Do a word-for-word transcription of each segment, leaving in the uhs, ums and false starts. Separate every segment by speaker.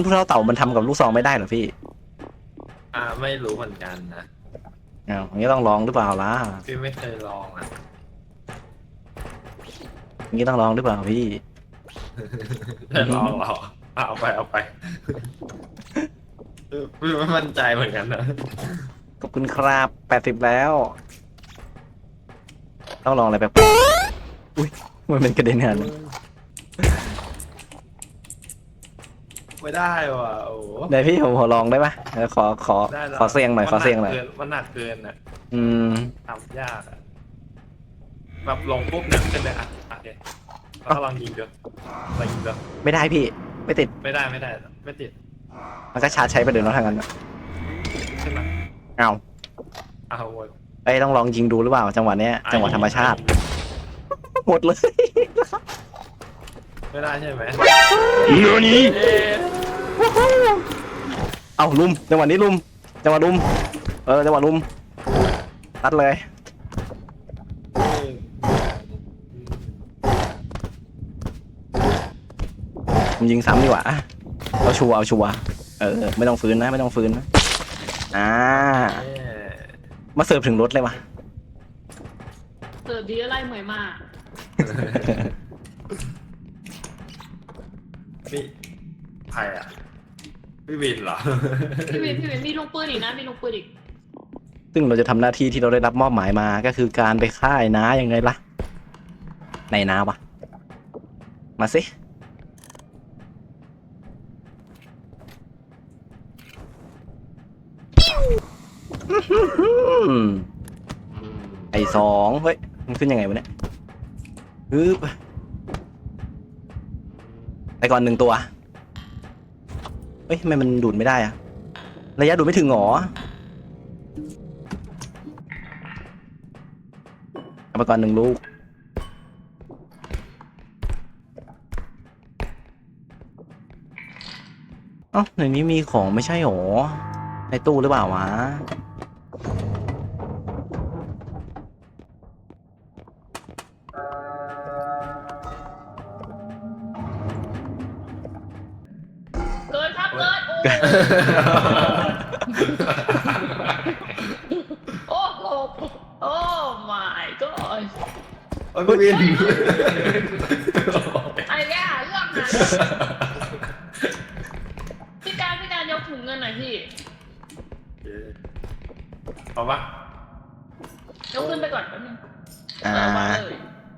Speaker 1: ผู้เท่าเต่ามันทำกับลูกซองไม่ได้เหรอพี่
Speaker 2: อ่าไม่รู้เหมือนกันนะ
Speaker 1: อ้าวอย่างนี้ต้องลองหรือเปล่าล่ะ
Speaker 2: พี่ไม่เคยลองอ่ะ
Speaker 1: อย่างนี้ต้องลองหรือเปล่าพี่
Speaker 2: ได้ลองหรอเอาไปเอาไปพี่ไม่มั่นใจเหมือนกันนะ
Speaker 1: ขอบคุณครับแปดสิบแล้วต้องลองอะไรแบบอุ้ยมันเป็นกระเด็นหัน
Speaker 2: ไม่ได้ว่ะโอ้
Speaker 1: เดี๋ยวพี่ผมขอลองได้ปะขอขอขอเสียงหน่อยขอเสียงหน่อย
Speaker 2: มันหนักเกินอ่ะ
Speaker 1: อืม
Speaker 2: ทำยากอ่ะแบบลงปุ๊บหนักขึ้นเลยอ่ะโอเคแล้วก็ลองยิงดูลองยิงดู
Speaker 1: ไม่ได้พี่ไม่ติด
Speaker 2: ไม่ได้ไม่ได้ไม่ติด
Speaker 1: มันก็ชาร์จใช้ไปเดี๋ยวน้องทางนั้น
Speaker 2: ใช่ไหม
Speaker 1: เอา
Speaker 2: เอาหมด
Speaker 1: ไอ้ต้องลองยิงดูหรือเปล่าจังหวะเนี้ยจังหวะธรรมชาติหมดเลย
Speaker 2: ไม่ได้ใช่ไหม
Speaker 1: เนื้อนี้เอาลุมจังหวะนี้ลุมจังหวะลุมเออจังหวะลุมตัดเลยผมยิงซ้ำดีกว่าเอาชัวร์เอาชัวร์เออไม่ต้องฟื้นนะไม่ต้องฟื้นนะอ่ามาเสิร์ฟถึงรถเลยวะ
Speaker 3: เสิร์ฟดีอะไรเหมยมาก
Speaker 2: พี่ใครอ่ะพี่วินเหรอ
Speaker 3: พี่วินพี่วินมีลูกปืนอีกนะมีลูกปืนอีก
Speaker 1: ซึ่งเราจะทำหน้าที่ที่เราได้รับมอบหมายมาก็คือการไปฆ่าไอ้น้ายังไงล่ะในน้าวะมาสิไอ้สองเฮ้ยมันขึ้นยังไงวะเนี่ยฮึบไปก่อนหนึ่งตัวเฮ้ยทำไมมันดูดไม่ได้อะระยะดูดไม่ถึงหรอเอาไปก่อนหนึ่งลูกเอ้าในนี้มีของไม่ใช่หรอในตู้หรือเปล่าวะ
Speaker 3: เกินครับเกินโอ้โหโอ้ my god
Speaker 2: โอ้ยพี่วิน
Speaker 3: ไอ้เนี่ยเรื่องนั้นพี่การพี่การยกถุงเงินหน่อยพี่
Speaker 2: เอาปะ
Speaker 3: ยกขึ้นไปก่อนแป๊บนึง
Speaker 1: อ่า
Speaker 3: มาเลย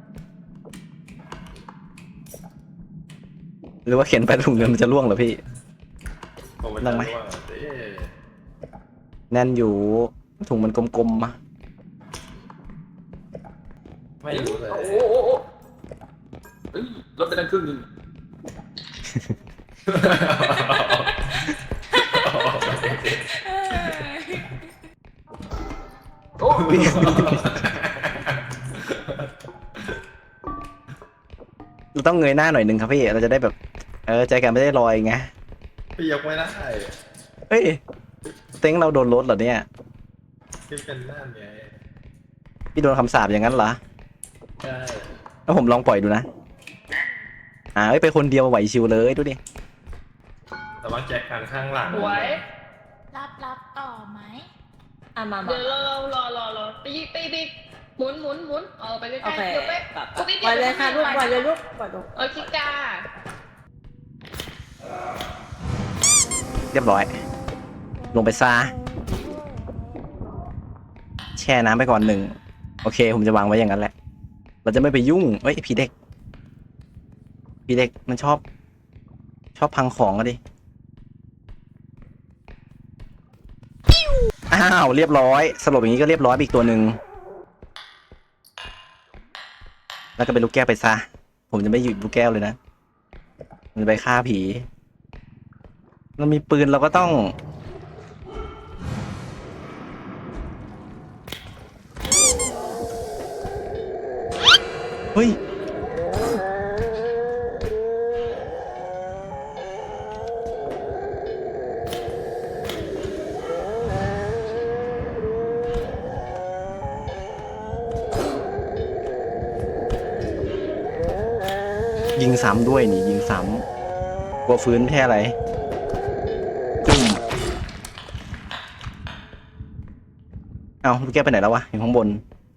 Speaker 1: หรือว่าเขียนไปถุงเงินมันจะล่วงเหรอพี่นั่งไหมแน่นอยู่ถุงมันกลมๆมา
Speaker 2: ไม่รู้เลย
Speaker 3: โอ้โห
Speaker 4: ลดไปตั้งครึ่งนึง
Speaker 1: โอ้เราต้องเงยหน้าหน่อยหนึ่งครับพี่เราจะได้แบบเออใจกันไม่ได้ลอยไง
Speaker 2: พี่ยกไม่ได้
Speaker 1: เฮ้ยเต็งเราโดนรถเหรอเนี่ย
Speaker 2: พี่เป็นนั่นไง
Speaker 1: พี่โดนคำสาปอย่างนั้นเหรอ
Speaker 2: ใช่
Speaker 1: แล้วผมลองปล่อยดูนะอ่าไปคนเดียวไหวชิวเลยดูดิ
Speaker 2: แต่ว่าแจ็คกันข้างหลัง
Speaker 3: ไหว
Speaker 5: รับรับต่อไหม
Speaker 3: อ่ะมาเดี๋ยวเรารอรอรอตีตีตีหมุนหมุนหมุนเออไปใกล้ๆเดี๋ยวไป
Speaker 5: ปล่อยเลยค่ะลูกปล่อยเลยลูกปล่อยลูก
Speaker 3: เออคิกา
Speaker 1: เรียบร้อยลงไปซาแช่น้ำไปก่อนหนึ่งโอเคผมจะวางไว้อย่างนั้นแหละเราจะไม่ไปยุ่งเอ้ยผีเด็กผีเด็กมันชอบชอบพังของอะดิอ้าวเรียบร้อยสลบอย่างนี้ก็เรียบร้อยอีกตัวหนึ่งแล้วก็เป็นลูกแก้วไปซะผมจะไม่หยุดลูกแก้วเลยนะมันไปฆ่าผีเรามีปืนเราก็ต้องเฮ้ยยิงซ้ำด้วยนี่ยิงซ้ำกลัวฟื้นแค่อะไรเอาลูกแก้วไปไหนแล้ววะอยู่ข้างบน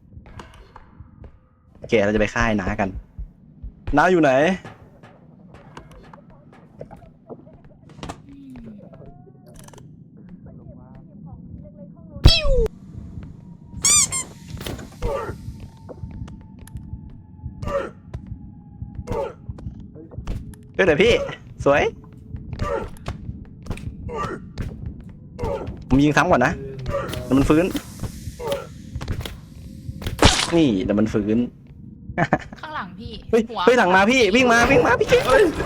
Speaker 1: โอเคเราจะไปค่ายน้ากันน้าอยู่ไหนเฮ้ยเดี๋ยวพี่สวยผมยิงซ้ำก่อนนะเดี๋ยวมันฟื้นนี่เดี๋ยวมันฟื้น
Speaker 5: ข้างหลังพี่
Speaker 1: เฮ้ย
Speaker 5: หัว
Speaker 1: เฮ้ยหลังมาพี่วิ่งมาวิ่งมาพี่เก๋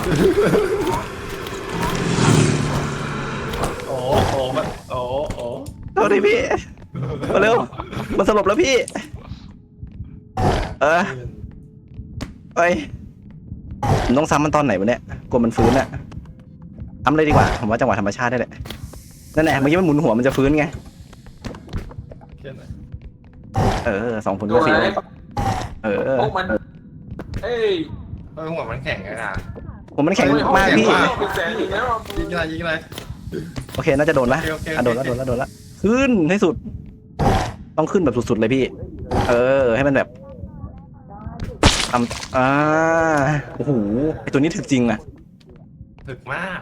Speaker 2: โอ้โอ้มันโอ้โอ้
Speaker 1: เอาดิพี่มาเร็วมันสลบแล้วพี่เออไปผมต้องซ้ำมันตอนไหนวะเนี่ยกลัวมันฟื้นอะทำเลยดีกว่าผมว่าจังหวะธรรมชาติได้แหละนั่นแหละเมื่อกี้มันหมุนหัวมันจะฟื้นไง
Speaker 2: แค่ไหน
Speaker 1: เออสองผลก็สี่เออ
Speaker 4: พวกมันเอ้ย
Speaker 2: เออหัวมันแข็งไงอ่ะ
Speaker 1: ผมมันแข็งมากพี่
Speaker 4: เป็นแสนอีกแล้ว
Speaker 2: ยิงอะไรยิงอะไร
Speaker 1: โอเคน่าจะโดนละ
Speaker 2: โอเคโอเค
Speaker 1: อ่ะโดนละโดนละโดนละขึ้นให้สุด ต้องขึ้นแบบสุดๆเลยพี่ เออ ให้มันแบบทำอ่าโอ้โหไอตัวนี้ถึกจริงอะ
Speaker 2: ถึกมาก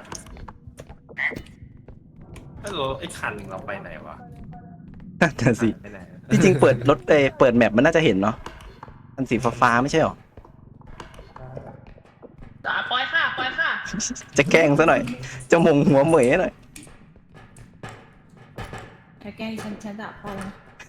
Speaker 2: ฮัลโหลไอ้คันเราไปไหนวะ
Speaker 1: นั่นสิ
Speaker 2: ไปไหน
Speaker 1: ที่จริงเปิดรถเอเปิดแมปมันน่าจะเห็นเนาะมันสีฟ้าๆไม่ใช่หรอ
Speaker 3: จ๋าปล่อยค่ะปล่อยค่ะ
Speaker 1: จะแกล้งซะหน่อย จะมงหัวเหมยหน่อย
Speaker 5: ถ้าแกล้งฉันฉันด่าพ่อนะ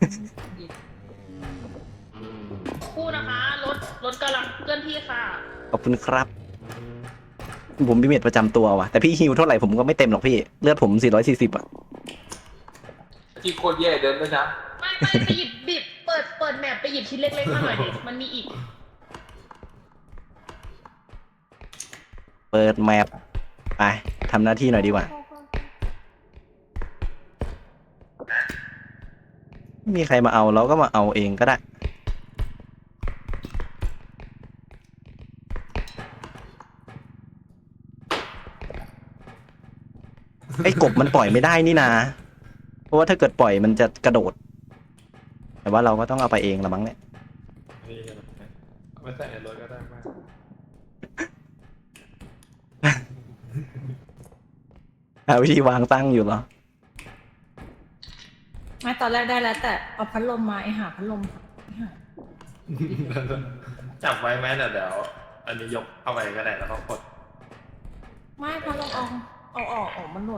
Speaker 3: คู่นะคะรถรถกำลังเคลื่อนที่ค่ะ
Speaker 1: ขอบคุณครับ ผมมีเมจประจำตัวว่ะ แต่พี่ฮิวเท่าไหร่ผมก็ไม่เต็มหรอกพี่ เลือดผมสี่ร้อยสี่สิบอ่ะ
Speaker 4: ที่โคตรแย่เดินด้วยนะ
Speaker 3: ไม่ไม่ไปหยิบบิบเปิดเปิดแมปไปหยิบชิ้นเล็กๆมาหน่อยดิมันมีอีก
Speaker 1: เปิดแมปไปทำหน้าที่หน่อยดีกว่า ไม่มีใครมาเอาเราก็มาเอาเองก็ได้ ไอ้กบมันปล่อยไม่ได้นี่นา เพราะว่าถ้าเกิดปล่อยมันจะกระโดด แต่ว่าเราก็ต้องเอาไปเองละมั้งเนี่ย
Speaker 2: นี่เอาไปใส่ในรถก็ได้มาก
Speaker 1: หาวิธีวางตั้งอยู่เหรอ
Speaker 5: ไม่ตอนแรกได้แล้วแต่เอาพัดลมมาไอหาพัดลมไอ้หา
Speaker 2: จับไว้ไหมเดี๋ยวเดี๋ยวอันนี้ยกเข้าไปก็ได้แล้วก็กด
Speaker 5: ไม่พัดลมเอาเอาออกออกมันหล่น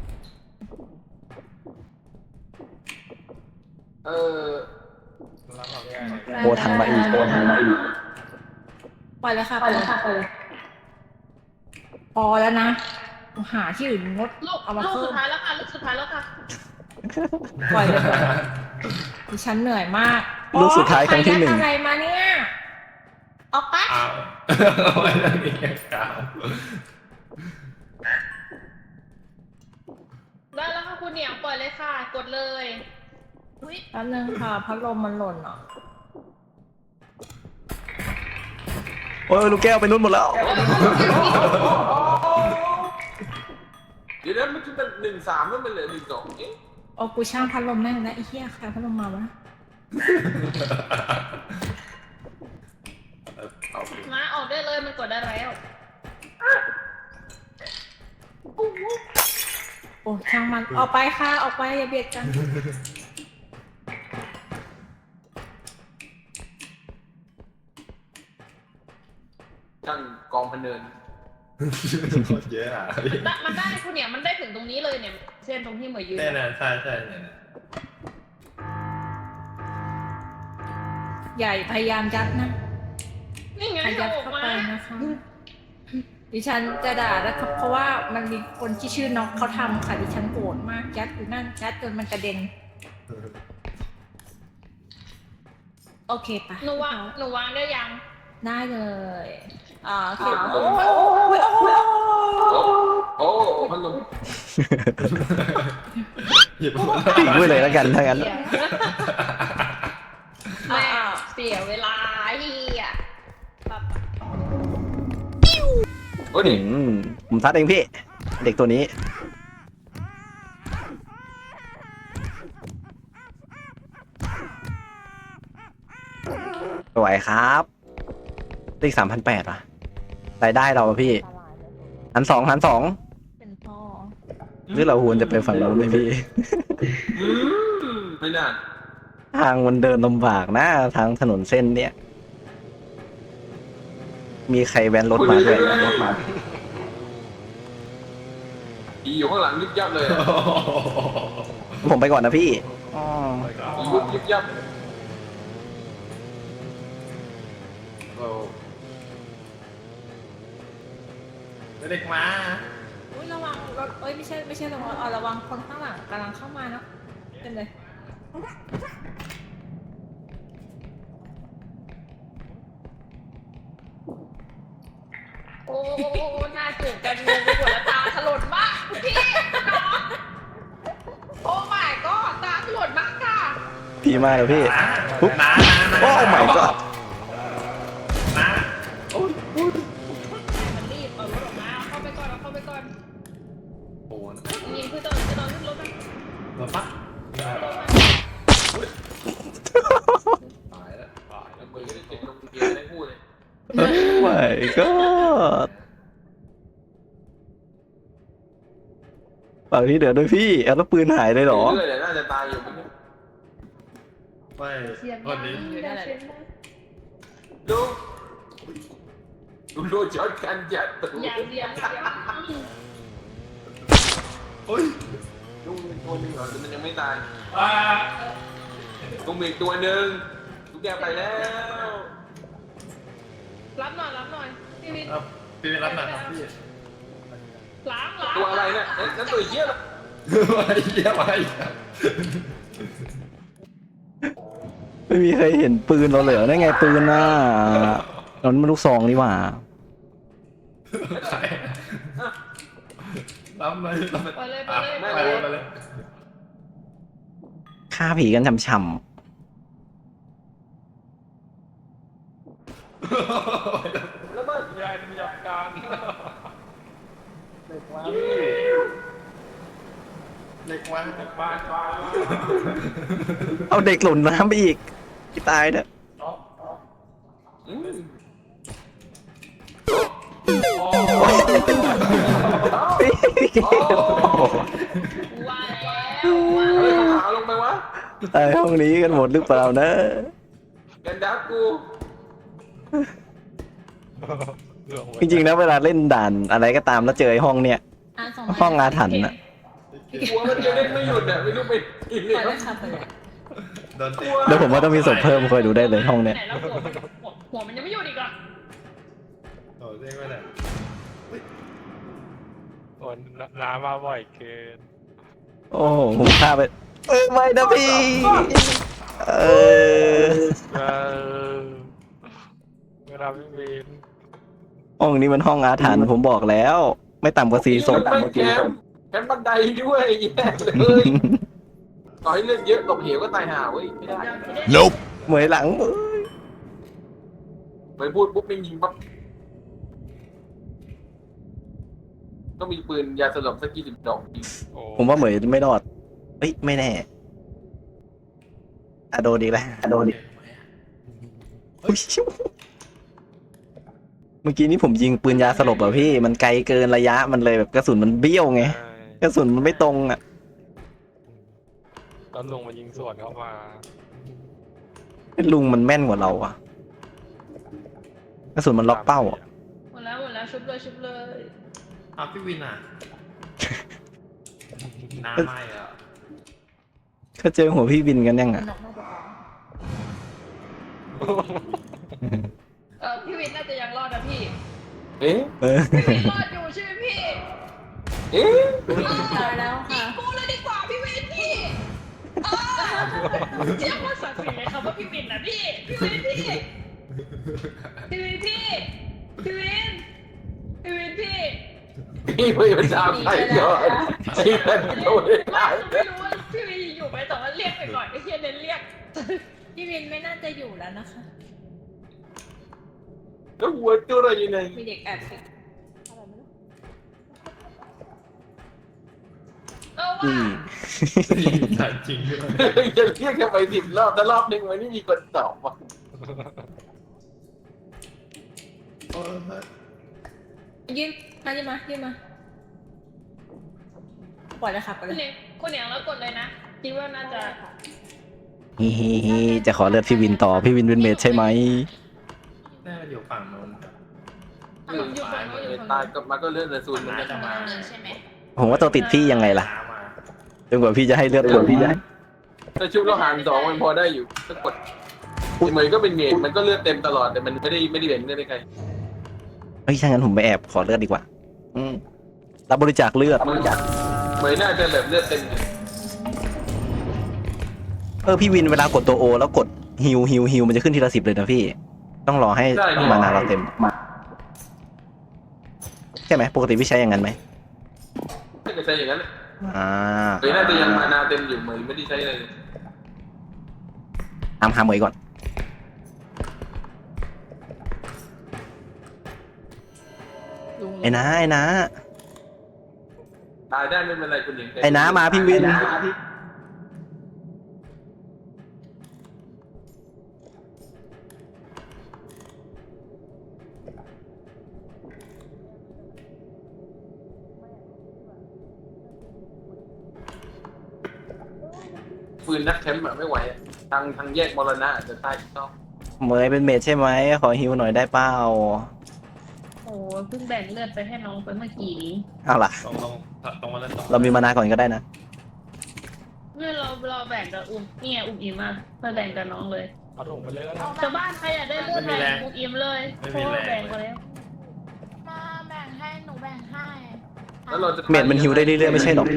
Speaker 4: เออ
Speaker 2: แล้วเราแก้
Speaker 1: โอ้ทางมาอีกโอ้ทางมาอีก
Speaker 5: ปล่อยเลยค่ะปล่อยเลยค่ะปล่อยเลยพอแล้วนะหาที่อื่นงด
Speaker 3: ลูก
Speaker 5: เอามา
Speaker 3: ลูก
Speaker 5: เพิ่
Speaker 3: สุ
Speaker 5: ม
Speaker 3: ดท้ายแล้วค่ะลูกสุดท้ายแล้วค่ะ
Speaker 5: ปล่อยเลยค่ะดิฉันเหนื่อยมาก
Speaker 1: ลูกสุดท้ายครั้งที่หนึ่ง
Speaker 5: โอ๊ยใครยัดอะไรมาเนี่ยออกไป
Speaker 2: อ้าวเอาไว้ตรงนี้กาว
Speaker 3: ได้แล้วค่ะคุณเหนียงปล่อยเลยค่ะ กดเลย
Speaker 5: แป๊บนึงค่ะพัดลมมันหล่นอ่ะ
Speaker 1: โอ้ยลูกแก้วไปนู่นหมดแล้ว
Speaker 4: เดี๋ยวนั้นมันจะเป็นหนึ่งสามแล้วมันเหลือหนึ่งสองเอ๊ะ
Speaker 5: โอ้กูช่างพัดลมแม่งนะไอ้เหี้ยใครพัดลมมาวะ
Speaker 2: เอาไป
Speaker 3: มาออกได้เลยมันกดได้แล้ว
Speaker 5: โอ้ช่างมันออกไปค่ะออกไปอย่าเบียดกัน
Speaker 4: ช่างกองพะเนิน
Speaker 2: โคตรเยอะอ่ะ
Speaker 3: ได้มันได้คุณเหนียงมันได้ถึงตรงนี้เลยเนี่ยเส้นตรงที่เหมยยืน
Speaker 2: แน่นอนใช่ใช่เนี่ย
Speaker 5: ใหญ่พยายามยัดนะ
Speaker 3: นี่ไง
Speaker 5: พยัด
Speaker 3: ออก
Speaker 5: เข้า
Speaker 3: มา
Speaker 5: ไปนะคะดิฉันจะด่านะครับเพราะว่ามันมีคนที่ชื่อน้องเขาทำค่ะดิฉันโกรธมากยัดอยู่นั่นยัดจนมันกระเด็นโอเคปะ
Speaker 3: หนูวางหนูวางได้ยัง
Speaker 5: ได้เลยอ่าโอเค
Speaker 4: อ่า
Speaker 5: โอ้ยโอ้ยโอ้ยโอ้ย
Speaker 4: โอ้โอ้พัดลม
Speaker 2: หยิบมา
Speaker 1: ปิดไว้เลยแล้วกันถ้างั้น
Speaker 3: เสียแม่เสียเวลาเฮีย
Speaker 4: โอ้ย
Speaker 1: อืมผมซัดเองพี่ เด็กตัวนี้สวยครับตีสามพันแปดว่ะรายได้เราอะพี่หันสองหันสอง
Speaker 5: เป็นพ่อ
Speaker 1: หรือเราควรจะไปฝั่งนู้นไหมพี่
Speaker 4: อืมไม่น่า
Speaker 1: ทางมันเดินลำบากนะทางถนนเส้นเนี้ยมีใครแวนรถมาด้วยรถมา
Speaker 4: อีอยู่ข้างหลังยิบยับเลยอะ
Speaker 1: ผมไปก่อนนะพี่อ๋อ
Speaker 4: อียุบยิบยับโอ้
Speaker 2: เด็กมา
Speaker 5: อุ้ยระวังรถเอ้ยไม่ใช่ไม่ใช่ระวังเอาระวังคนข้างหลังกำลังเข้ามาเนาะเป็นเลย
Speaker 3: โอ้หน้าจูบกันงงไปหมดแล้วตาถลนมากพี่น้องโอ้ my god ตาถลนมากค่ะ
Speaker 1: พี่มาแล้วพี่ ปุ๊บ
Speaker 2: น้า
Speaker 1: โอ้ my god
Speaker 2: น้า
Speaker 3: มันรีบเอารถออกมาเอาเข้าไปก่อนเอาเข้าไปก่อน
Speaker 2: โอ้นะ
Speaker 3: ยิงคือตอนจะนอนขึ้นรถนะ
Speaker 2: มาปะ
Speaker 4: ตายแล้วตายแล้วมือก็ได้เก็บลงเกียร์ได้พูดเลย
Speaker 1: my god ฝั่งนี้เดือดด้วยพี่เอาแล้วปืนหายเลยเหรอ
Speaker 4: เรื่อยๆเลยน่าจะตายอยู่ไม่ใช่
Speaker 2: ไม่
Speaker 3: เสียง
Speaker 2: คนนี้
Speaker 3: เสียงดัง
Speaker 4: ดูดูดูจอดกันจัดตัว
Speaker 3: อย่างเดียวอย่างเดียว
Speaker 2: โอ้ย
Speaker 4: ลุงมีตัวหนึงเหรอแต่มันยังไม่ตาย
Speaker 2: อ่า
Speaker 4: ลุงมีอีกตัวหนึ่งลุงแกไปแล้ว
Speaker 3: รับหน่อยรับหน่อยพี่วิน
Speaker 2: เอาพี่ไปรับหน่อยครับพี่
Speaker 3: ล้างล้าง
Speaker 4: ตัวอะไรเนี่ยเอ๊ะนั่นตัวเหี้ยเหรอ
Speaker 2: ไอ้เหี้ยไป
Speaker 1: ไม่มีใครเห็นปืนเราเลยเหรอได้ไงปืนน่ะนั่นมันลูกซองนี่หว่า
Speaker 2: ใครรับเลยรับ
Speaker 3: ไปเลยไป
Speaker 2: อ่ะ
Speaker 3: เลย
Speaker 2: ไป
Speaker 3: ไป
Speaker 2: เล
Speaker 3: เลย ย
Speaker 2: ไปเลย
Speaker 1: ฆ่าผีกันช่ำ
Speaker 4: แล้วมัน
Speaker 2: ยายมีอาการเด็กมาเด็กมาเด็กบ้านบ้าน
Speaker 1: ๆเอาเด็กหล่นน้ำไปอีกตายเถอะ
Speaker 4: อืม
Speaker 3: ว่าแล้วว่า
Speaker 4: เฮ้ย
Speaker 3: แล้ว
Speaker 4: ขาลงไปวะ
Speaker 1: ตายห้องนี้กันหมดหรือเปล่านะ
Speaker 4: กันดับกู
Speaker 1: จริงๆนะเวลาเล่นด่านอะไรก็ตามแล้วเจอไอ้ห้องเนี้ย
Speaker 5: อ่ะส่ง
Speaker 1: ห้องอาถรรพ์น่ะ
Speaker 4: กลัวมันจะเล่นไม่หยุดอ่ะไม่รู้ไปอีก
Speaker 5: ป
Speaker 4: เลย
Speaker 5: ล่อยเลยค่ะปล่อยเลย
Speaker 2: โดนเตะ
Speaker 1: เดี๋ยวผมว่าต้องมีศพเพิ่มคอยดูได้เลยห้องเนี้ย
Speaker 3: ไหนแล้วหัวมันหัวหัวมันยังไม่หยุดอีกเหรอ
Speaker 2: โอ้เด้งไปไหน
Speaker 6: โอ้น้ำมาบ่อยเกิน
Speaker 1: โอ้โหผมฆ่าไปเออไม่นะพี่เออ
Speaker 6: เออเวลาไม่มี
Speaker 1: ห้องนี้มันห้องอาถรรพ์ผมบอกแล้ว ไม่ต่ำกว่าสี่ศพ
Speaker 4: ไม่แคมป์แคมป์บันไดด้วยแย่เลยต่อให้เลือดเยอะตกเหวก็ตายห่าเว้ยไม่ได้
Speaker 1: Nope เหมยหลังเอ้ย
Speaker 4: ไปพูดปุ๊บไม่ยิงปั๊บต้องมีปืนยาสลบสักกี่สิบดอกยิง
Speaker 6: โอ้
Speaker 1: ผมว่าเหมยไม่รอดเอ้ยไม่แน่อะโดนอีกแล้วอะโดนอีกอุ๊ยชิวเมื่อกี้นี้ผมยิงปืนยาสลบอะพี่ มันไกลเกินระยะมันเลยแบบกระสุนมันเบี้ยวไง
Speaker 6: ใช่
Speaker 1: กระสุนมันไม่ตรงอะ
Speaker 6: แล้วลุงมายิงสวนเข้ามา
Speaker 1: ลุงมันแม่นกว่าเราอะกระสุนมันล็อกเป้าอะ
Speaker 3: หมดแล้วหมดแล้วชุบเลยชุบเลย
Speaker 2: อ้าวพี่วินอ่ะน้าไม่อ่ะ
Speaker 1: เขาเจอหัวพี่บินกันยังอะ
Speaker 5: นกน่าจะร้อง
Speaker 3: เออพี่วินน่าจะยังรอดนะพี่
Speaker 4: เอ๊ะ
Speaker 1: เออ
Speaker 3: พี่วินรอดอยู่ใช่ไหมพี่
Speaker 4: เอ๊ะ
Speaker 5: ตายแล้วค่ะ
Speaker 3: กูเลยดีกว่าพี่วินพี่เออเรียกว่าศักดิ์ศรีเลยครับว่าพี่วินนะพี่พี่วินพี่พี่วินพี่พี่วินพี่วินพี่
Speaker 4: พี่ไม่เป็นดาวใครก่อนพี่เป็นตัวเอง
Speaker 3: ว่าไม่รู้ว่าพี่วินอยู่ไหมแต่ว่าเรียกไปก่อนไอ้เฮียเน้นเรียก
Speaker 5: พี่วินไม่น่าจะอยู่แล้วนะคะ
Speaker 4: แล้วหัวตัวอะไรอยู่ไหน
Speaker 5: มีเด็กแอบสิอะไรไม่รู้
Speaker 3: เออ
Speaker 1: อื
Speaker 3: ว่าม
Speaker 2: ใช่จริงด้วย
Speaker 4: จะเรียกกันไปสิบรอบแต่รอบหนึ่งวันนี้มีคนตอบว่ะ
Speaker 5: ยืนมายืนมายืนมาปล่อยเลยค่ะปล่อย
Speaker 3: คุณ
Speaker 5: เล
Speaker 3: เหนี
Speaker 5: ย
Speaker 3: ยงคุณเหนียงแล้วกดเลยนะคิดว่าน่าจะ
Speaker 1: ฮิฮิฮิจะขอเลือดพี่วินต่อพี่วินเป็นเมดใช่ไหม
Speaker 2: น่าจะอยู่ฝั่งโน้น
Speaker 3: อยู่อยู่ฝั่งโน้นอยู่ฝั่ง
Speaker 4: ตาย
Speaker 3: โน้น
Speaker 4: ก็มันก็เลื่อนเลยซูนมันก็
Speaker 2: จะมา
Speaker 3: ใช่ไหม
Speaker 1: ผมว่าตัวติดพี่ยังไงล่ะ
Speaker 2: น้ำมา
Speaker 1: จนกว่าพี่จะให้เลือดผมพี่จะให้
Speaker 4: ถ้าชุบเราหารสองมันพอได้อยู่ถ้ากดเหมือนก็เป็นเมดมันก็เลือดเต็มตลอดแต่มันไม่ได้ไม่ได้เด่นไม่ได้ใคร
Speaker 1: เฮ้ยถ้างั้นผมไปแอบขอเลือดดีกว่า อืมรับบริจาคเลือด
Speaker 4: เหมือนน่าจะแบบเลือดเต็ม
Speaker 1: เออพี่วินเวลากดตัวโอแล้วกดฮิวฮิวฮิวมันจะขึ้นทีละสิบเลยนะพี่ ต้องรอให้มานาเราเต็มใช่ไหมปกติพี่ใช้อย่างนั้นไหม
Speaker 4: ถ้าเกิดใช้อย่างนั้น
Speaker 1: อ่า
Speaker 4: เหมือนน่าจะยังมานาเต็มอยู่เหมือนไม่ได้ใช้อะไรเลย
Speaker 1: ตามหาเหมยก่อน
Speaker 5: ลุง
Speaker 1: ไอ้น้าไอ้น้า
Speaker 4: ตายได้ไม่เป็นไรคุณหญิง
Speaker 1: ไอ้น้ามาพี่วิน
Speaker 4: ฟืนนักแคมป์อะไม่ไหวอะทางทางแยกมรณะอาจจะตายอีกต้อง
Speaker 1: เหมยเป็นเมดใช่ไหมขอฮิวหน่อยได้เปล่า
Speaker 3: โอ้เพิ่งแบ่งเลือดไปให้น้องไปเมื่อกี้นี้
Speaker 1: เอาล่ะ
Speaker 2: ตรงตรงตรงมาแล้วตรง
Speaker 1: เรามีมานาก่อนก็ได้นะ
Speaker 3: เมื่อเราเราแบ่งกับอุ้มนี่ไงอุ้มอิมมามาแบ่งกับน้องเลย
Speaker 6: เอาถุงไปเลยแล้วกัน
Speaker 3: ชาวบ้านใครอยากได้เลือดแบ่งอุ้มอิมเลยเพราะว่าแบ่งไปแล้ว
Speaker 7: มาแบ่งให้หนูแบ่งให้
Speaker 4: แล้วเราจะ
Speaker 1: เมดมันฮิวได้เรื่อยๆไม่ใช่หรอก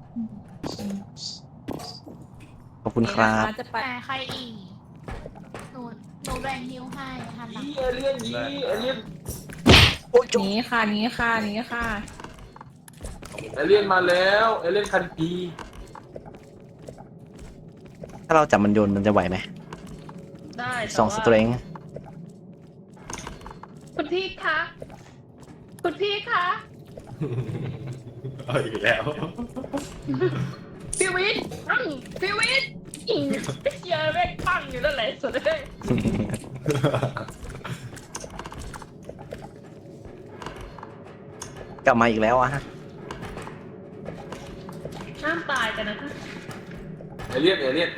Speaker 1: ขอบคุณครับ
Speaker 5: จะไป
Speaker 7: แต่ใครอีกหนูหนูแบ่งฮิวให้ทันหลัง
Speaker 4: ยี่เอเลี่ยนยี่เอเลี่ยน
Speaker 5: หนีค่ะหนีค่ะหนีค่ะ
Speaker 4: เอเลี่ยนมาแล้วเอเลี่ยนคันปี
Speaker 1: ถ้าเราจับมันโยนมันจะไหวไหม
Speaker 3: ได้
Speaker 1: สองส
Speaker 3: แต่ว่า
Speaker 1: เตรง
Speaker 3: คุณพี่คะคุณพี่คะ
Speaker 2: เอาอีกแล้ว
Speaker 3: พี่วิทย์อืมพี่วิทย์อิงเชียร์แม่งปังอยู่นั่นแหละสุดเลย
Speaker 1: กลับมาอีกแล้วอะฮะ
Speaker 3: ห้ามตายกันนะคะ
Speaker 4: เอเลี่ยนเอเลี่ยน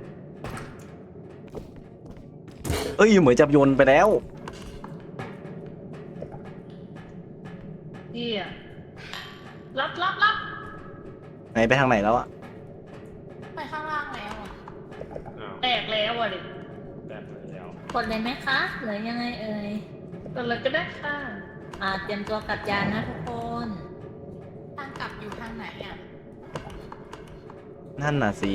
Speaker 1: เอ้ยเหมือนจับโยนไปแล้ว
Speaker 3: พี่อะรับรับรับ
Speaker 1: ไหนไปทางไหนแล้วอะ
Speaker 7: ไปข้างล่างแล้วอ่ะ
Speaker 3: แตกแล้วอ่ะดิ
Speaker 6: แบบแล้ว
Speaker 5: กดเลยไหมคะหรือยังไงเอ่ย
Speaker 3: ก็เลยก็ได้ค่ะ
Speaker 5: อ่าเตรียมตัวกลับยานนะทุกคน
Speaker 7: ทางกลับอยู่ทางไหนอ่ะ
Speaker 1: นั่นน่ะสิ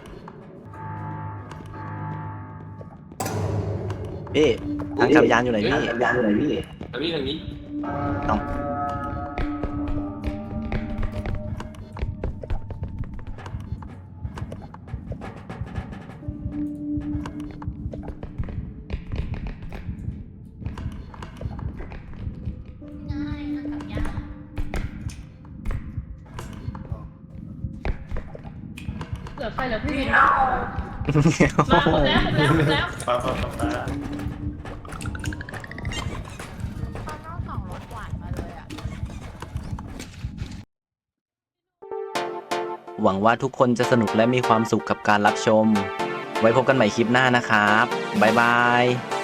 Speaker 1: พี่ทางจับยานอยู่ไหนพี่ยานอยู่ไหนพี่
Speaker 4: ทางนี้ทางนี้
Speaker 1: ต้อง
Speaker 7: ง่ายทางกลับยาก
Speaker 3: เหลือใครเหลือพี่วินมาครบแล้วครบแล้วครบแล้ว
Speaker 2: ป้าป้าป้าป้า
Speaker 7: ข้างนอกสองรถหวานมาเลยอ่ะ
Speaker 1: หวังว่าทุกคนจะสนุกและมีความสุขกับการรับชม ไว้พบกันใหม่คลิปหน้านะครับ บ๊ายบาย